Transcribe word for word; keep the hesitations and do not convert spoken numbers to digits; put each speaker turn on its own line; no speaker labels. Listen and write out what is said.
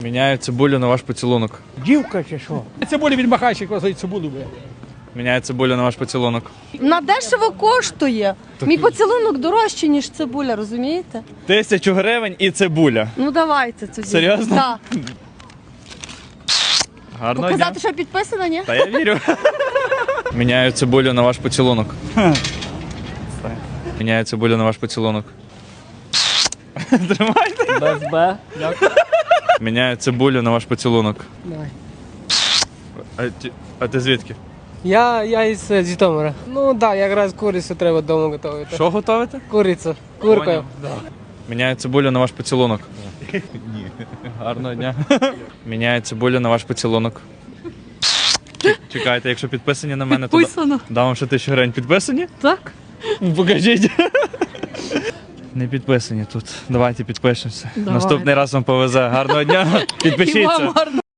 Міняю цибулю на ваш поцілунок.
Дівка чи що? Цибулі від махайщик возить цибулю би.
Міняю цибулю на ваш поцілунок.
На дешево коштує. Мій поцілунок дорожчий, ніж цибуля, розумієте?
Тисячу гривень і цибуля.
Ну давайте тоді.
Серйозно?
Так.
Гарного дня.
Показати, що підписано, ні?
Та я вірю. Міняю цибулю на ваш поцілунок. Міняю цибулю на ваш поцілунок. Тримайте.
Без Б. Дякую.
Міняю цибулю на ваш поцілунок.
Давай.
А ти, а ти звідки?
Я, я із е, Житомира. Ну так, да, якраз курицю треба вдома готувати.
Що готовите?
Курицю. Куркою.
Міняю цибулю на ваш поцілунок. Ні. Гарного дня. Міняю цибулю на ваш поцілунок. Ч- Чекайте, якщо підписані на мене, то да-
Підписано.
дам вам ще тисячу гривень. Підписані?
Так.
Покажіть. Не підписані тут. Давайте підпишемося.
Давай.
Наступний раз вам повезе. Гарного дня.
І
Підпишіться.
вам гарно.